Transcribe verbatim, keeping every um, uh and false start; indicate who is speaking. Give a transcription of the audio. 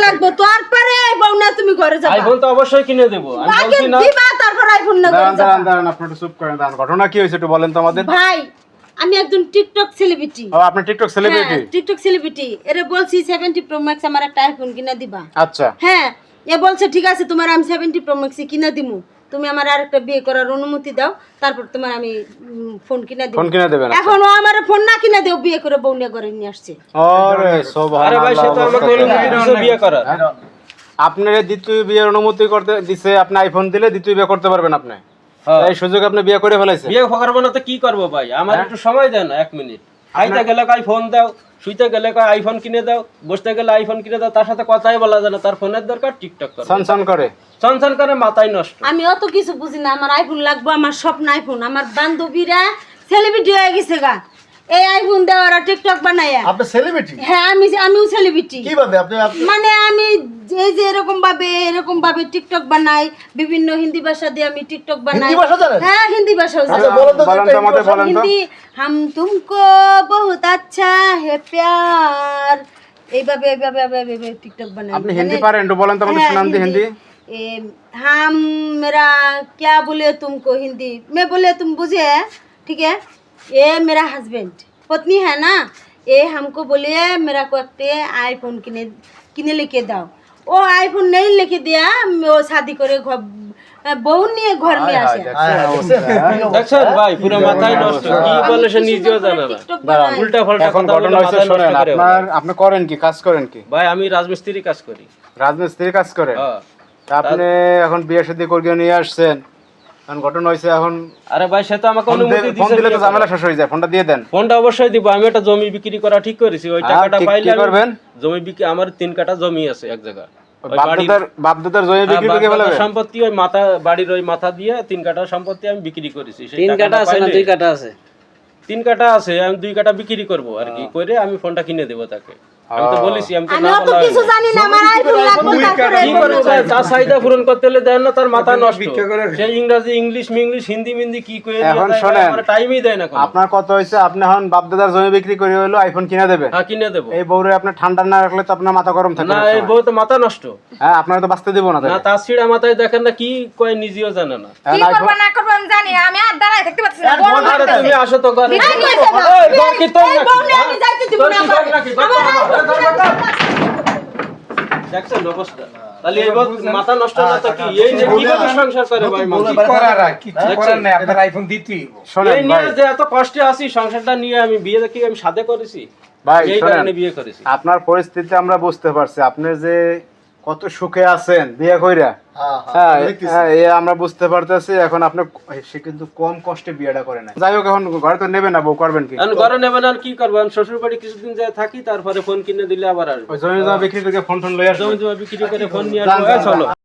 Speaker 1: লাগবে তারপরে আইফোন না তুমি ঘরে যাবা
Speaker 2: আইফোন তো অবশ্যই কিনে দেব আমি বলছি না
Speaker 1: দিবা তারপর আইফোন না ঘরে
Speaker 3: দাঁড়ান
Speaker 1: যাবা
Speaker 3: দাঁড়ান দাঁড়ান আপনি একটু চুপ করেন দাঁড়ান ঘটনা কি হয়েছে একটু বলেন তো আমাদের
Speaker 1: ভাই আমি একজন টিকটক সেলিব্রিটি
Speaker 3: ও আপনি টিকটক সেলিব্রিটি
Speaker 1: টিকটক সেলিব্রিটি এরে বলছি সেভেন্টি প্রো ম্যাক্স আমার একটা আইফোন কিনা দিবা
Speaker 3: আচ্ছা
Speaker 1: হ্যাঁ এ বলছে ঠিক আছে তোমার আমি সেভেন্টি প্রো ম্যাক্স কিনা দিমু তুমি আমার আরেকটা বিয়ে করার অনুমতি দাও তারপর তোমার আমি ফোন কিনা দিব
Speaker 3: ফোন কিনে দেবেন
Speaker 1: এখন ও আমার ফোন না কিনা দেও বিয়ে করে বউ নিয়ে ঘরে নিয়ে আসছে
Speaker 3: আরে
Speaker 2: আরে
Speaker 3: সুবহানাল্লাহ
Speaker 2: ভাই সে তো আমাকে অনুমতি দিয়েছে বিয়ে করার
Speaker 3: আপনার দ্বিতীয় বিয়ের অনুমতি করতে দিছে আপনি আইফোন দিলে দ্বিতীয় বিয়ে করতে পারবেন আপনি
Speaker 2: হ্যাঁ।
Speaker 3: এই সুযোগ আপনি বিয়ে করে ফেলাইছেন
Speaker 2: বিয়ে করবো না তো কি করবো ভাই আমার একটু সময় দেন এক মিনিট খাইতে গেলে কই ফোন দাও শুইতে গেলে কই আইফোন কিনে দাও বসতে গেলে আইফোন কিনে দাও তার সাথে কথাই বলা যায় না তার ফোনের দরকার টিকটক করে
Speaker 3: সনসন করে
Speaker 2: সনসন করে মাথায় নষ্ট
Speaker 1: আমি অত কিছু বুঝি না আমার আইফোন লাগবে আমার স্বপ্ন আইফোন আমার বান্ধবীরা সেলিব্রিটি হয়ে গেছে গা এই আইফোন দেওয়ার টিকটক বানায়া
Speaker 4: আপনি সেলিব্রিটি
Speaker 1: হ্যাঁ আমি আমিও সেলিব্রিটি
Speaker 4: কিভাবে আপনি আপনি-
Speaker 1: মানে আমি এই যে এরকম ভাবে এরকম ভাবে টিকটক বানাই বিভিন্ন হিন্দি ভাষা দিয়ে আমি টিকটক বানাই
Speaker 4: হিন্দি ভাষা জানেন?
Speaker 1: হ্যাঁ হিন্দি ভাষা
Speaker 4: আচ্ছা, বলেন তো
Speaker 3: বলেন তো আমাদের বলেন তো
Speaker 1: হিন্দি হাম তুমকো বহুত আচ্ছা হে প্যার এইভাবে এইভাবে এইভাবে এইভাবে টিকটক বানাই
Speaker 3: আপনি হিন্দি পারেন একটু বলেন তো আমাদের
Speaker 1: হ্যাঁ,
Speaker 3: শোনান দি হিন্দি
Speaker 1: ए, हम मेरा क्या बोले तुमको हिंदी मैं बोले तुम बुझे ठीक है ये मेरा हस्बैंड पत्नी है ना ये हमको बोलिए मेरा को एक आईफोन किने किने लेके दाओ वो आईफोन नहीं लेके दिया वो शादी करे बहू নিয়ে ঘর নিয়ে আসে
Speaker 2: দেখছেন ভাই পুরো মাথায় নষ্ট কি বলে সে নিজেও জানে না
Speaker 3: দাঁড়ান
Speaker 2: উল্টা পাল্টা
Speaker 3: এখন
Speaker 2: কথা বলে
Speaker 3: ঘটনা হচ্ছে
Speaker 2: মাথায়
Speaker 3: শুনেন
Speaker 2: নষ্ট করে
Speaker 3: আপনার আপনি করেন কি কাজ করেন কি
Speaker 2: ভাই আমি রাজমিস্ত্রি কাজ করি
Speaker 3: রাজমিস্ত্রি কাজ করেন
Speaker 2: হ্যাঁ
Speaker 3: তা আপনি এখন বিয়ে শাদী করে নিয়ে আসছেন এখন ঘটনা হয়েছে এখন
Speaker 2: আরে ভাই সে তো আমাকে
Speaker 3: ফোন
Speaker 2: অনুমতি
Speaker 3: দে- ফোন
Speaker 2: দিয়েছে
Speaker 3: দিলে তো
Speaker 2: বিয়ে
Speaker 3: ঝামেলা
Speaker 2: করার।
Speaker 3: শেষ হয়ে যায় ফোনটা দিয়ে দেন
Speaker 2: ফোনটা অবশ্যই দিব আমি একটা জমি বিক্রি করা ঠিক করেছি ওই
Speaker 3: হ্যাঁ,
Speaker 2: টাকাটা
Speaker 3: কি-
Speaker 2: পাইলে
Speaker 3: কি
Speaker 2: আমি-
Speaker 3: করবেন?
Speaker 2: জমি বিক্রি আমার তিন কাঠা জমি আছে এক জায়গা ওই বাড়ির-
Speaker 3: বাপদাদার বাপদাদার জমি বিক্রি
Speaker 2: হ্যাঁ,
Speaker 3: করে
Speaker 2: বাপ দাদার
Speaker 3: ফেলাবেন
Speaker 2: সম্পত্তি ওই মাথা বাড়ির ওই মাথা দিয়ে তিন কাঠা সম্পত্তি আমি বিক্রি করেছি সেই
Speaker 5: তিন
Speaker 2: টাকাটা
Speaker 5: কাটা আছে না
Speaker 2: পাইলে-
Speaker 5: দুই কাটা আছে
Speaker 2: তিন কাঠা আছে আমি দুই কাঠা বিক্রি করব আর কি করে আমি ফোনটা কিনে দেব তাকে আমি তো বলেছি আমি তো
Speaker 1: আমি
Speaker 2: না
Speaker 1: অত
Speaker 2: বলা
Speaker 1: কিছু
Speaker 2: হয়নি।
Speaker 1: জানি না আমার আইফোন লাগবে তারপরে
Speaker 2: কি করে চায়? তার চাহিদা পূরণ করতে হলে দেন না তার মাথা নষ্ট সে ইংরেজি ইংলিশ মিংলিশ হিন্দি মিন্দি কি করে
Speaker 3: এখন শোনেন।
Speaker 2: টাইমই দেয় না কোনো।
Speaker 3: আপনার কত হয়েছে আপনি এখন বাপদাদার জমি বিক্রি করে হলো আইফোন কিনে দেবেন
Speaker 2: হ্যাঁ কিনে দেবো
Speaker 3: এই বউরে আপনি ঠান্ডা না রাখলে তো আপনার মাথা গরম থাকে
Speaker 2: না
Speaker 3: সবসময়।
Speaker 2: এই বউ তো মাথা নষ্ট
Speaker 3: হ্যাঁ আপনারা তো বাঁচতে দিব না
Speaker 2: না
Speaker 3: তাহলে।
Speaker 2: তার ছিঁড়া মাথায় দেখেন না কি কয় নিজেও জানে না
Speaker 3: এখন
Speaker 6: কি
Speaker 3: আইফোন-
Speaker 6: করবো না করবো আমি জানি না, আমি আর দাঁড়ায় থাকতে পারছি না
Speaker 4: আর
Speaker 6: বড়
Speaker 4: বল-
Speaker 2: আরে
Speaker 6: মারতেছে।
Speaker 2: তুমি আসো তো ঘরে
Speaker 1: বিয়ে করেছে না।
Speaker 2: এই, তোর কি তোর
Speaker 1: এই
Speaker 2: নাকি?
Speaker 1: বউ নিয়ে আমি যাইতে দিব
Speaker 2: তোর
Speaker 1: না
Speaker 2: কি তোর
Speaker 1: আমার-
Speaker 2: নাকি? তোর
Speaker 1: আমার
Speaker 2: তো আমার- দেখছেন অবস্থা তাহলে এবার মাথা নষ্ট না তো কি এই যে কিভাবে সংসার করে ভাই মানুষ?
Speaker 3: শোনেন
Speaker 2: এই
Speaker 3: ভাই
Speaker 2: নিয়ে যে এত কষ্টে আছি সংসারটা নিয়ে আমি বিয়ে দেখি আমি সাথে করেছি
Speaker 3: ভাই
Speaker 2: এই
Speaker 3: শোনেন
Speaker 2: কারণে বিয়ে করেছি
Speaker 3: আপনার পরিস্থিতি আমরা বুঝতে পারছি আপনি যে কত সুখে আছেন বিয়ে কইরা
Speaker 4: হ্যাঁ, হ্যাঁ,
Speaker 3: হ্যাঁ
Speaker 4: দেখতেছি।
Speaker 3: হ্যাঁ, এ আমরা বুঝতে পারতেছি এখন আপনি সে কিন্তু কম কষ্টে বিয়েটা করে না যাই হোক এখন ঘরে তো নেবে না বউ করবেন কি
Speaker 2: এখন ঘরে নেবেন আর কি করবো শ্বশুর বাড়ি কিছুদিন যায় থাকি তারপরে ফোন কিনে দিলে আবার আসবো
Speaker 3: ওই জমি জমা বিক্রি করে ফোন টোন লই আসবে
Speaker 2: জমি জমা বিক্রি করে ফোন নিয়ে
Speaker 3: যান,
Speaker 2: আসবো
Speaker 3: যান,
Speaker 2: এই চলো